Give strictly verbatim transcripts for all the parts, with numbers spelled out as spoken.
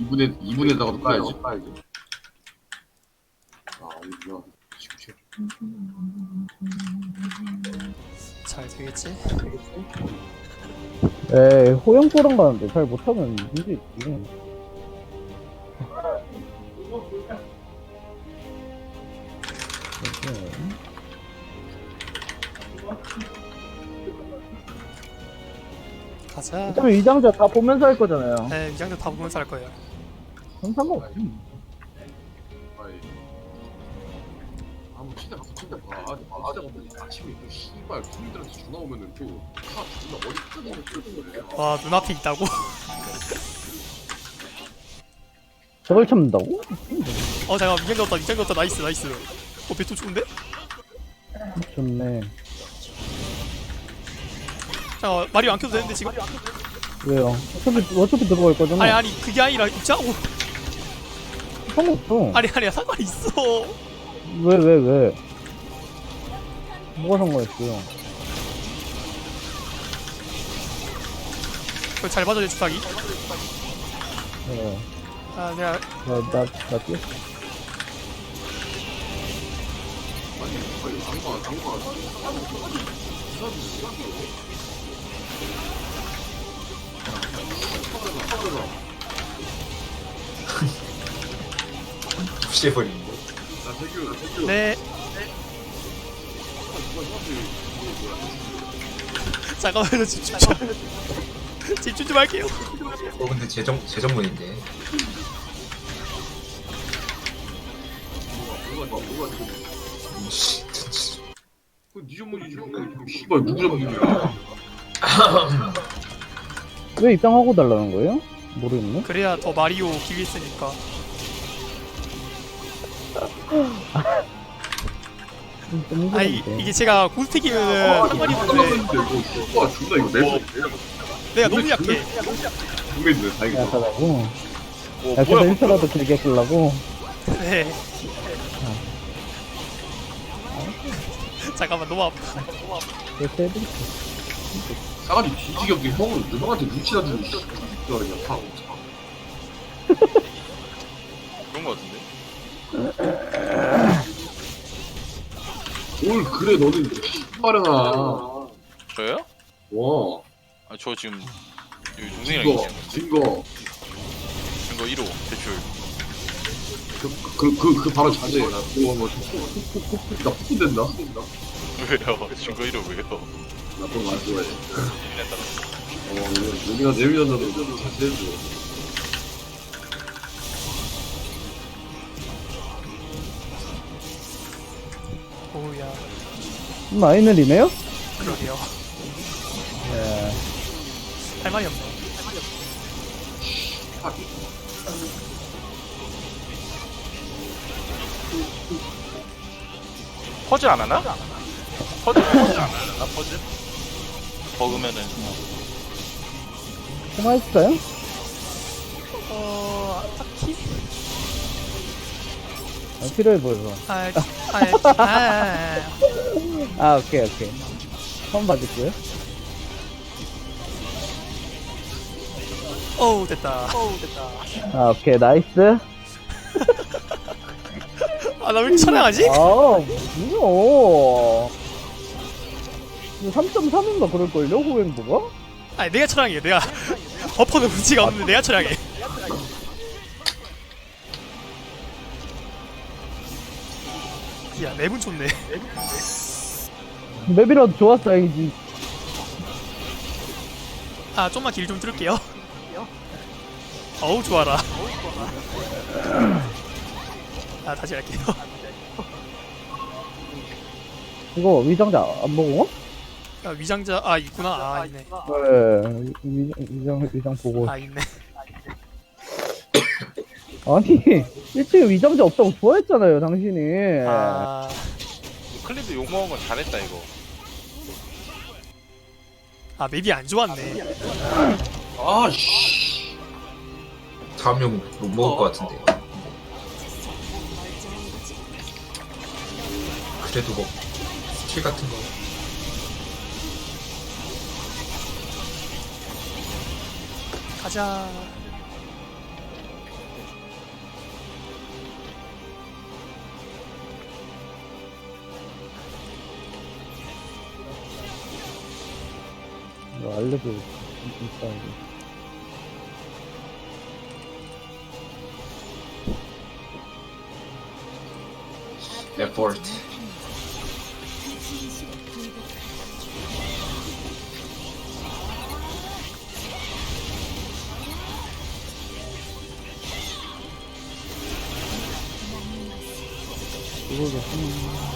이분에 이분에다가도 까야지. 까야지. 아 이거 쉽지. 잘 되겠지? 에이, 호영포랑 가는데 잘 못하면 문제 있지. 가자. 어차피 이장자 다 보면서 할 거잖아요. 네, 위장도 다 보면서 할 거예요. 그럼 상관없지. 아이. 아무 진짜 진짜 봐. 아 진짜 아침에 또 씨발 군인들한테 전화 오면은 또다 존나 어디 터지는 거야. 와, 눈앞에 있다고? 저걸 참는다고? 어, 잠깐만, 위장 넣었다, 위장 넣었다, 나이스, 나이스. 어, 배토 좋은데? 좋네. 잠깐만, 마리오 안 켜도 되는데, 지금? 왜요? 어차피, 어차피 들어갈 거잖아. 아니, 아니, 그게 아니라, 입장, 오, 상관없어. 아니, 아니, 상관 있어. 왜, 왜, 왜? 뭐가 상관있어요? 그걸 잘 봐줘, 내 주사기. 네. 아, 내가, 나, 나, 나 뛰었어. 아니 아니 안가 안가. 무시해버리는데. 나 세규 나 세규. 네. 잠깐만요, 집중 좀. 집중 좀 할게요. 어 근데 재정 재정문인데. 뭐가 뭐가 지금. 씨, 진짜. 그네 전문이지. 씨발 누구 전문이야. 왜 입장하고 달라는 거예요? 모르겠네. 그래야 더 마리오 기회 있으니까. 아니, 이게 제가 고스택이면은 상관이 없는데, 와 존나 이거 내 내가 너무 약해. 동맹이네 다행이다. 약하다고? 어, 야, 그래서 일 초라도 길게 끌라고? 네. 잠깐만, 너무 아파. 그래서 해드릴게. 싸가지 뒤지게 없게 형은 형한테 눈치나 주고 있어. 그냥 다 그런 거 같은데? 뭘 그래 너는 씨발이나. 저요? 와 아, 저 지금 여기 동생이랑 증거 얘기하는 건데. 증거 증거 일 호 대출. 그그 그 그 바로 자제. 나 그거 뭐나 푸른된다. 왜요? 증거 일 호 왜요? 나 그런 거안 좋아해. 재밌다. 어 여기가 내밀었나도 자제해줘. 오우야. 마이너리네요? 그러게요. 예. 할 말이 없네. 퍼즐 안 하나? 퍼즐 퍼즐 안 하나? 퍼즐? 버그면은 통화했어요? 어, 딱히? 아, 필요해 보여서. 아, 아, 아, 아. 아, 오케이, 오케이. 처음 받을게요. 어우, 됐다. 어우, 됐다. 아, 오케이, 나이스. 아, 나 왜 이렇게 촬영하지? 아, 뭐야. 삼 점 삼인가 그럴걸요, 호행보가? 아니, 내가 촬영해. 내가. 버퍼는 문제가 없는데 내가 촬영해. 야, 맵은 좋네. 맵이라도 좋았어야지. 아, 좀만 길 좀 뚫을게요. 어우, 좋아라. 아, 다시 할게요. 이거 위장자 안 보고? 아, 위장자, 아, 있구나. 아, 있네. 네, 위, 위장, 위장 보고. 아, 있네. 아니, 일찍 위장자 없다고 좋아했잖아요, 당신이. 아, 클립도 욕먹은 건 잘했다 이거. 아, 맵이 안 좋았네. 아씨. 다음 용 못 먹을 것 같은데. 그래도 뭐 스킬 같은 거. 가자. 이거 알려줘. 있다, 이거. 에포트. 이거를 하면.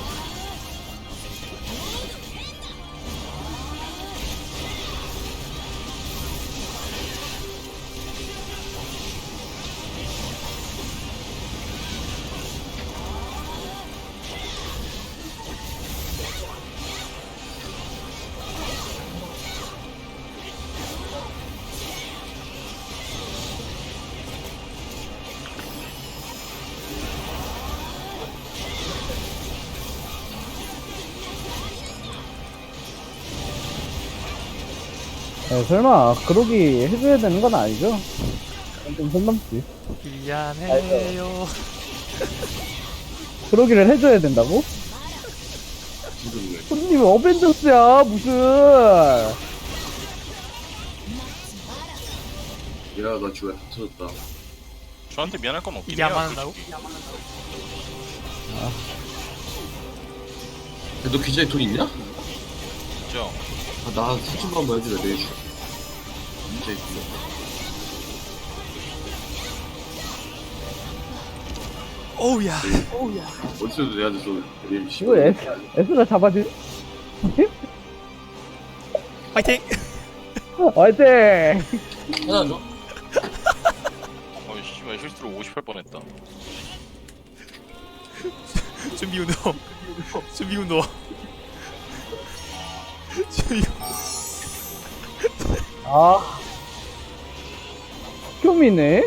네, 설마 그러기 해줘야 되는 건 아니죠? 좀 선 넘지. 미안해요. 그러기를 해줘야 된다고? 부르네. 손님이 어벤져스야 무슨. 야, 나 주에 다 터졌다. 저한테 미안할 건 없긴 이게 해요. 안 맞는다고? 야, 너 계좌에 돈 있냐? 그죠? 아, 나 사진만 한번 해주래, 내일 줄게. 진짜 있어. 어우야. 어디서도 내한테 또 내일 이거 에스, 에스가 잡아줄. 파이팅. 화이팅! 하나 줘? 어이 씨발 실수로 오십할 뻔했다. 준비 운동. 준비 운동. 준비. 아. 쇼미네?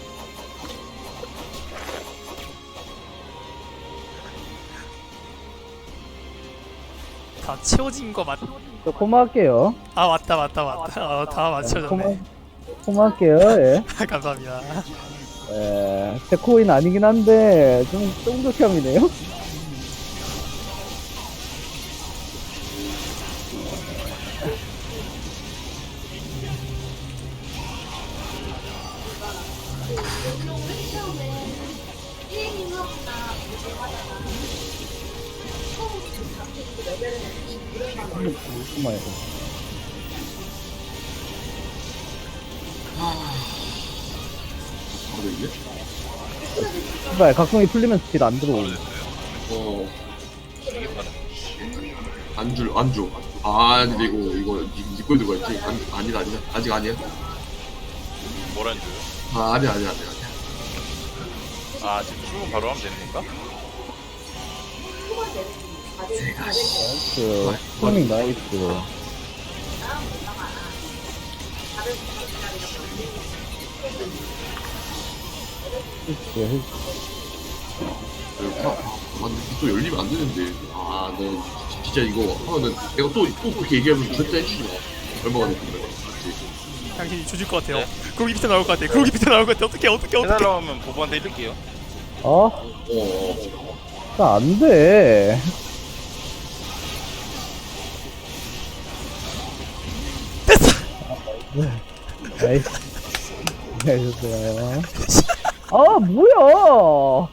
다 채워진 거 맞? 저 고마할게요. 아 맞다 맞다 맞다. 어, 다 맞춰졌네. 고마, 고마할게요, 예. 감사합니다. 예. 제 코인 아니긴 한데, 좀, 쫑득형이네요? 고마워요. 바로 있네? 제발, 각성이 풀리면 스킬 안 들어오고. 어. 안 줄, 안 줘. 아, 근데 이거, 이거, 니, 니꼴 들고 있지? 안, 아니다, 아니다. 아직 아니야. 뭐란 줘요? 아, 아니야, 아니야, 아니야. 아니야. 아 지금 출근 바로 하면 되는 건가? 나이스. 스밍 나이스. 헬스, 헬스. 아, 아, 근데 또 열리면 안 되는데. 아, 너 진짜 이거 하면은 내가 또, 또 그렇게 얘기하면 절대 해주지 마. 얼마가 됐는데. 맞지? 당신이 조질 것 같아요. 네. 그러기 밑에 나올 것 같아. 그러기 밑에 나올 것 같아. 어떻게 어떻게 어떻게? 해달라고 하면 보부한테 해줄게요. 어? 어, 어. 나 안 돼. 됐어. 나이스. 나이스, 좋아요. 아, 뭐야!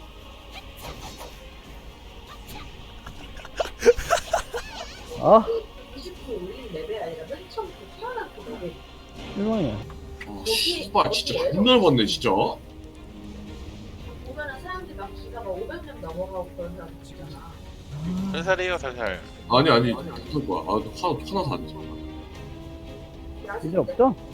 아, 이십 분 올린 레벨 아니라 맨 처음부터 태어난 그 레벨. 실망이야. 아, 씨발, 진짜 존나 봤네, 진짜. 보면은 사람들이 막 기가 막 오백 명 넘어가고 그런 사람 있잖아. 살살해요 살살. 아니, 아니, 어떨 거야. 아, 화, 화나서 안 돼. 이제 없죠?